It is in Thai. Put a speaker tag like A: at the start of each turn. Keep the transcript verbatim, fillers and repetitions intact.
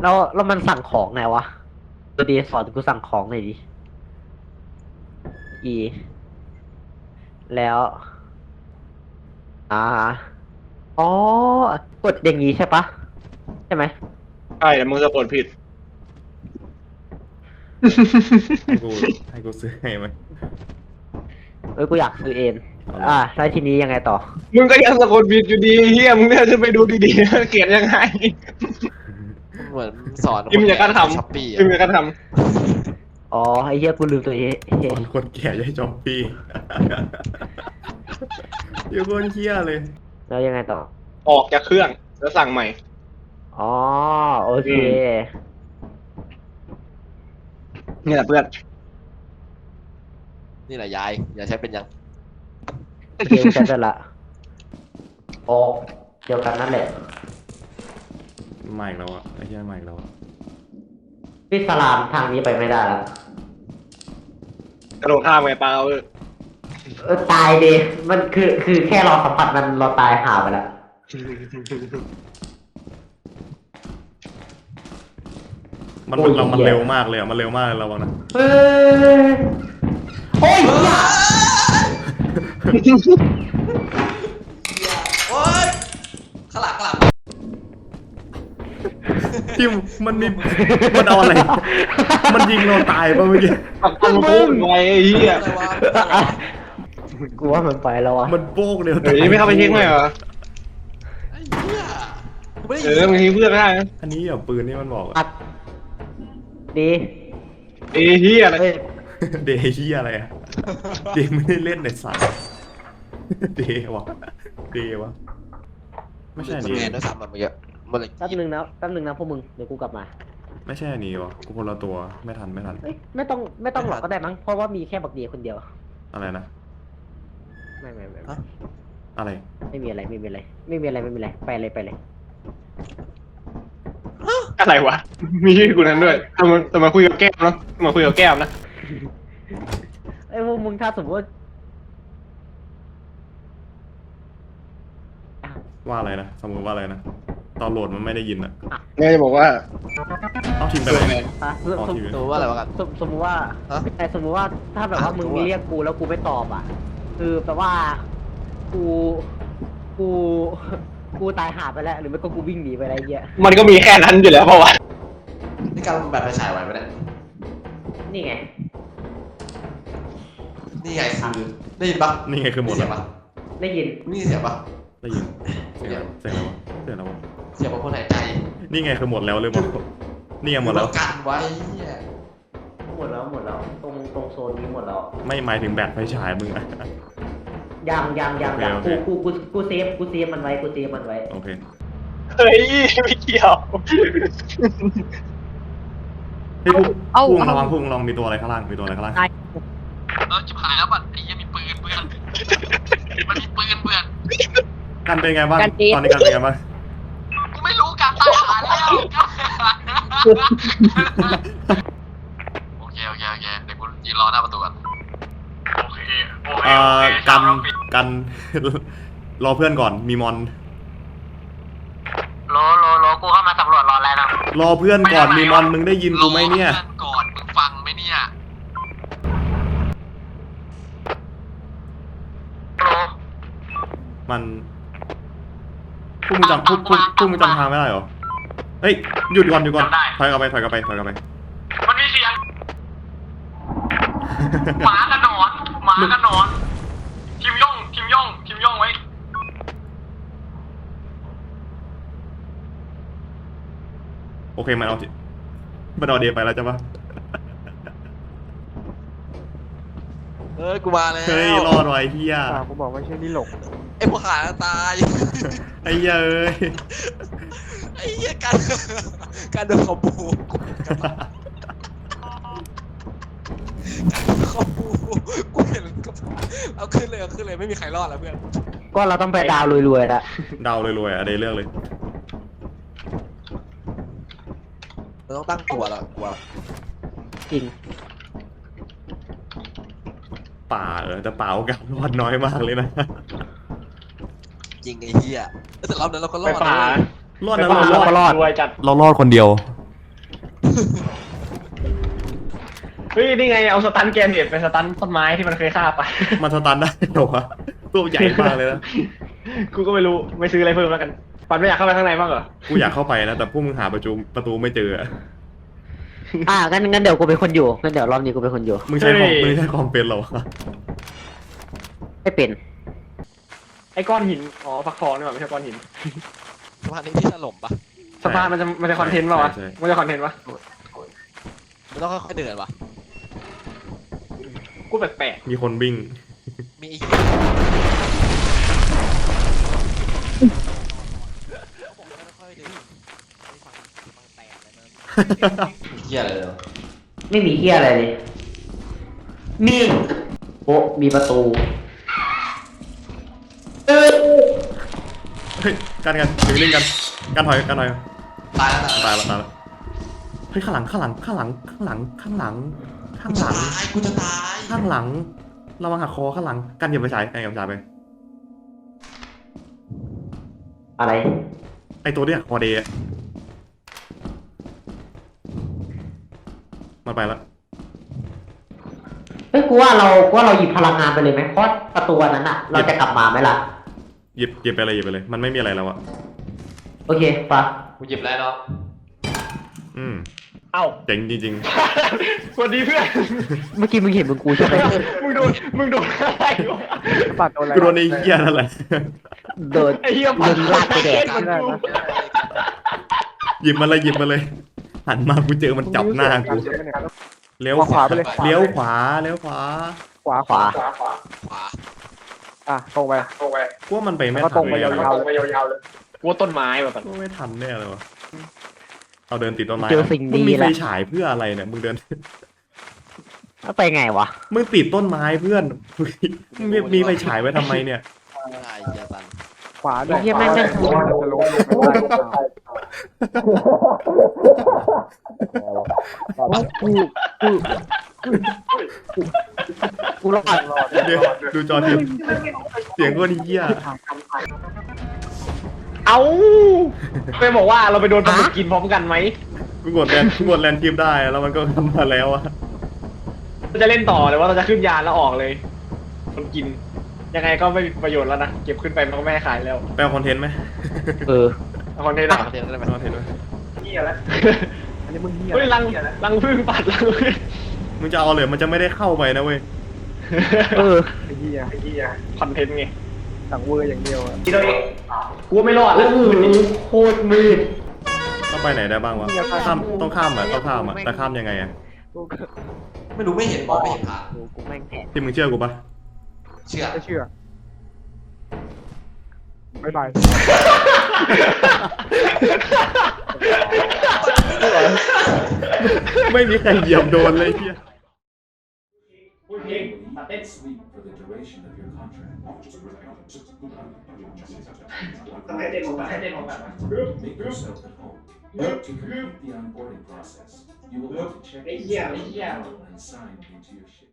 A: แล้วแล้วมันสั่งของไงวะตัวดีสอนกูสั่งของหน่อยดิอีแล้วอ่าอ๋อกดอย่างงี้ใช่ปะใช่ไหม
B: ใช่แต่มึงสะกดผิด
C: ให้กูให้กูซื้อให้ไหม
A: เอ้ยกูอยากซื้อเอง
C: เอาเลย
A: อ่าแล้วทีนี้ยังไงต่อ
B: มึงก็ยังสะกดผิดอยู่ดีเฮียมึงเนี่ยจะไปดูดีๆเขียนยังไง
D: เหมือนสอน
B: พิมพ์อย่างนั้นทำ
D: ช้อปปี้
B: พิมพ์อย่างนั้นท
A: อ๋อไอ้เหี้ยกูลืมตัวเอง
C: ตอนคนแก่จะให้จอมปี้ เดี๋ยวคนเคี้ยเลย
A: แล้วยังไงต่อ
B: ำออกจากเครื่องแล้วสั่งใหม่
A: อ๋อโอเค
B: อื นี่แหละเพื่อน
D: นี่แหละยายอย่าใช้เป็นยัง
A: โอเคกูจะได้ละโอ้เดียวกันนั่นแหละ
C: ใหม่แล้วอะไอ้เหี้ยใหม่แล้วอะ
A: พี่สลามทางนี้ไปไม่ได้แล้ว
B: กระโดดข้ามไงเปล่าเออ
A: เออตายดิมันคือคือแค่เราสัมผัสมันเราตายห่าไปแล้ว
C: มัน
A: โอ้ย
C: เรามัน
A: เหี้ย
C: เร็วมากเลยอะมันเร็วมากเลยระวังนะ
A: เฮ้ยโอ้ยเหี้ย
D: โอ๊ยขลักขลัก
C: ทิมมันมีมันเอาอะไร มันยิงเราตายป่ะเมื่อกี้
B: ปักมันพุ่งไว้ไอ้เหี้ย
D: อะไรวะอะไรวะ
A: กูว่ามันไปแล้วอ่ะ
C: มันโป๊กเดียว
B: เฮ้ยไม่เข้าไปเช็คหน่อยเหรอ
D: ไอ้เหี้ยกูไม่ได้
B: เอ
D: ยิน
B: อบางทีเพื่อนไม่ได้นะ
C: อันนี้อ่ะปืนนี่มันบอกอะ
A: อัดดี
B: เอ้เหี้ยอะไร
A: เฮ้ย
C: เดย์เหี้ยอะไรอะเดย์ไม่ได้เล่นในสายเดย์วะเดย์วะไม่ใช่อัน
D: ส
C: นี้
D: แกนด้วยซ้ำมันเมื่อกี้มันเลย
A: แป๊บนึงนะแป๊บนึงนะพวกมึงเดี๋ยวกูกลับมา
C: ไม่ใช่อันนี้วะกูคนละตัวไม่ทันไม่ทัน
A: เอ้ยไม่ต้องไม่ต้องหรอกก็ได้มั้งเพราะว่ามีแค่บักเดียคนเดียว
C: อะไรนะ
A: ไม่ไม่ไม่
D: ฮะ
C: อะไร
A: ไม่มีอะไรไม่มีอะไรไม่มีอะไรไม่มีอะไรไปเลยไปเลย
B: อะไรวะ มีชื่อกูนั้นด้วยจะมาจะมาคุยกับแก้มเนาะจะมาคุยกับแก้มนะ
A: ไอ้ยพวกมึงถ้าสมมติว่า
C: ว่าอะไรนะสมมติว่าอะไรนะตอนโหลดมันไม่ได้ยินอะ
B: เนี่ยจะบอกว่า
C: เอาทีมไปไหน
A: อ่ะสม
C: อ๋อ
A: สม
C: ทีวี
D: ดูว่าอะไรวะกัน
A: สมสมมติว่า
D: ฮะ
A: แต่สมมติว่าถ้าแบบว่า
D: อ่ะ
A: มึง
D: ดูว่า
A: เรียกกูแล้วกูไม่ตอบอ่ะ คือแปลว่ากูกูกูตายหาไปแล้ว หรือไม่ก็กูวิ่งหนีไปอะไรเงี้ย
B: มันก็มีแค่นั้นอยู่แล้วเพราะว่า
D: นี่การแบบไปฉายไว้ไหมเนี่ย
A: นี่ไง
D: นี่ไงคือได้ยินปะ
C: นี่ไงคือหมด
D: เสี
C: แล้
D: ยว งปะ
A: ได้ยิน
D: นี่เสียงปะ
C: ได้ยินเสียงอะไรวะเสียงอะไรวะเสียงอะไรวะ
D: เสียงของคนหายใจ
C: นี่ไงคือหมดแล้วหรือเปล่านี่ไงหมดแล้ว
D: กันไว้เหี้ย
A: หมดแล้วหมดแล้วตรงตรงโซนนี้หมดแล้ว
C: ไม่หมายถึงแบตไฟฉายมึงอะ
A: ยังยังยังยัง
C: โอเค
A: กู
C: โอเค
A: กูกูกูเซฟกูเซฟมันไว้กูเซฟมันไว้
C: โอเค
B: เฮ้ยไม่เกี่ยว
C: เฮ้ยพุ่ง
A: เอ้า
C: พุ่ง
A: เอ้า
C: ระวังพุ่งลองมีตัวอะไรข้างล่างมีตัวอะไรข้างล่าง
D: เออจิบหายแล้วบัดไอ้เหี้ยมีปืนเพื่อนมันมีปืนเพื่อน
C: กันเป็นไงบ้าง
A: กันจี๊ด
C: ตอนนี้กันเป็นไงบ้าง
D: กูไม่รู้การตายหาแล้วโอเคโอเคโอเคเดี๋ยวกูยืนรอหน้าประตูก่อนโอเคโอเค
C: เอ่อกันกัน รอเพื่อนก่อนมีมอน
A: โลโลโลกูเข้ามาสำรวจรอแล้วนะ
C: รอเพื่อนก่อนมีมอนมึงได้ยินกูไหมเนี่ย
D: รอพื่อก่อนมึงฟังไหมเนี่ย
A: โล
C: มันพวกมึงจำพวกพวกพวกมึงจำทางไม่ได้เหรอเฮ้ยหยุดก่อนหยุดก่อนถอยกลับไปถอยกลับไปถอยกลับไป
A: มันมีเสียงหมากับหนอนหมากับหนอนทิมย่องทิมย่องทิมย่องไว้
C: โอเคมันเอาจิมันเอาเดียไปแล้วจ้ะปะ
D: เฮ้ยกูมาแล้ว
C: เฮ้ยรอดไว้เฮีย
B: ผมบอกไม่ใช่นี่หลง
D: ไอ้พวกขาตาย
C: ไอ้เหี้ยเอ้ย
D: ไอ้เหี้ยการการโดนเขาปูเขาปูกูเห็นกับเอาขึ้นเลยเอาขึ้นเลยไม่มีใครรอดแล้วเพื่อน
A: ก็เราต้องไปดาวรวยๆละ
C: เดาเลยรวยๆอ่ะเดยเลือกเลย
D: เราต้องตั้งตัวแล้วกลัว
A: จริง
C: ป่าเออแต่ป่าโอกาสรอดน้อยมากเลยนะ
D: จริงไอ้เหี้ยแต่รอบนั้นเราก็ร
B: ไป
D: อด
B: ป่า
D: นะ
C: รอด
B: ไป
C: นะ
B: ป่า
C: เรารอด
B: รอดรวยจัด
C: เรารอดคนเดียว
B: เฮ้ยนี่ไงเอาสตันแกนเน็ตไปสตันต้นไม้ที่มันเคยฆ่าไป
C: มันสตันได้เหรอวะตัวใหญ่มากเลยนะ
B: กูก็ไม่รู้ไม่ซื้ออะไรเพิ่มแล้วกันปันไม่อยากเข้าไปข้างในบ้างเหรอ
C: กูอยากเข้าไปนะแต่พวกมึงหาประตูประตูไม่เจออะ
A: อ่างั้นงั้นเดี๋ยวกูเป็นคนอยู่งั้นเดี๋ยวรอบนี้กูเป็นคนอยู่
C: มึงใช้คอมมึงใช้คอมเป็นเหรอวะ
A: ไม่เป็น
B: ไอ้ก้อนหินอ๋อฟักทองนี่หว่าไม่ใช่ก้อนหิน
E: สะพานนี้ที่ถล่มปะ
B: สะพานมันจะมันจะคอนเทนต์ป่าวะมันจะคอนเทนต์ปะ
E: มันต้องค่อยๆเดินปะ
B: กูแปลก
C: มีคนวิ่ง
E: มีไอ้เหี้ยเขาบอกให้ค่อยๆเดินไม่ฟังฟังแตกเลยนะ
D: เฮียอะไรเลย
A: ไม่มีเฮียอะไรเลยมีโอ้มีประตูเออ
C: เฮ้ยกันกันอยู่นิ่งกันกันถอยกันถอย
D: ตายแล้ว
C: ตายแล้วตายแล้วเฮ้ยข้างหลังข้างหลังข้างหลังข้างหลังข้างหลังข้างหลัง
D: ตายกูจะตาย
C: ข้างหลังระวังหักคอข้างหลังกันเหยียบไปฉายกันเหยียบไปฉายไป
A: อะไร
C: ไอตัวที่หักคอเดย์อะมันไปแล้ว
A: เฮ้ยกูว่าเรากูว่าเราหยิบพลังงานไปเลยไหมเพราะประตูอันนั้นอะเราจะกลับมาไหมล่ะ
C: หยิบหยิบไปเลยหยิบไปเลย มันไม่มีอะไรแล้วอะ
A: โอเคปะ
D: กูหยิบแล้วเนาะ
C: อืม
B: ๆเอ้า
C: เจ๋งจริง
B: สวัสดีเพื่อน
A: เมื่อกี้มึงเห็นมึงกูใช่ไหม
B: มึงโดนมึงโดนอะไรวะ
F: ปัดโดนอะไร
C: ๆกูโดนไอ้เหี้ยนั่นแหละ
A: โดน
B: ไอ้เหี้ย
A: โดนลากไปแดก
B: มันกู
C: หยิบมาเลยหยิบมาเลย หันมากูเจอมันจับหน้ากูเลี้ยวขวา
F: ไปเลย
C: เลี้ยวขวาเลี้ยวขวา
F: ขวา
A: ขวา
B: ขวาขวา
E: ขวา
F: อ่ะตรงไป
B: ตรงไป
C: กูว่ามันไปไม่
F: แล้วก็
C: ทั
F: ตร
C: น
F: งไป
C: เลย
F: ยาว
C: อะ
B: ตรงไปยาวๆเลยกูว่าต้นไม้แบบนั้น
C: กูไม่ทันแน่เลยวะเอาเดินติดต้นไม้
A: เจอสิ่ง
C: มึ
A: ดี
C: งมีไฟ
A: แล้ว
C: ฉายเพื่ออะไรเนี่ยมึงเดิน
A: แล้วไปไงวะ
C: มึงติดต้นไม้เพื่อนมึงมีมีไฟฉายไว้ทำไมเนี่ย
E: ไม่ได้เหี้ยตัน
F: ขวาด้วย
A: เฮียแม่งแม่ง
F: จะลงลงไปได้หรือเปล่ากูกู
A: กูรอด
C: เดี๋ยวดูจอทีเสียงก็ดีเหี้ย
B: เอ้าไปบอกว่าเราไปโดนปลาหมึกกินพร้อมกันไหม
C: กูกดแลนกูกดแลนทีมได้แล้วมันก็ทำมาแล้วอะ
B: เราจะเล่นต่อเลยว่าเราจะขึ้นยานแล้วออกเลย คนกิน ยังไงก็ไม่มีประโยชน์แล้วนะ เก็บขึ้นไปมันก็ไม่ให้ขายแล้ว
C: แปลคอนเทนต์ไหม
A: เออ
B: เอาคอนเทนต์อะ
E: เดินได้ไหม
C: คอนเทนต์ไหม
B: เหี้ยแล้ว
F: อันนี้มึงเหี้ย
B: เฮ้ยรังรังพึ่งปัดรังพึ่ง
C: มึงจะเอาเลยมันจะไม่ได้เข้าไปนะเว้ย
A: เออ
F: ไอ้เหี้ย
B: ไอ้เหี้ยคอนเทนต์ไง
F: สั่งเวอร์อย่างเดียวอะ
B: ทีตัวเองกูไม่รอด
A: โอ้
B: แล้ว
A: โหโคตรมืด
C: ต้องไปไหนได้บ้างวะข้ามต้องข้ามอ่ะต้องข้ามอ่ะแต่ข้ามยังไงอ่ะ
D: ไม่รู้ไม่เห็นมองไม่เห็นทาง
A: กูกูแม่งแผล
C: ที่มึงเชื่อกูปะ
D: เชื่อ
F: ไม่เชื่อบ๊ายบาย
C: ไม่มีใครเหยียบโดนเลยเฮีย
B: พูดเพลงตัดเต้น
G: sleep for the duration of your contract.
B: ต้องให้เต้นของกันให้เต้นของกัน
G: Make yourself at home. To complete the onboarding process, you will want to check
B: Hey,
G: in
B: yeah, hey, yeah.
G: and sign into your ship.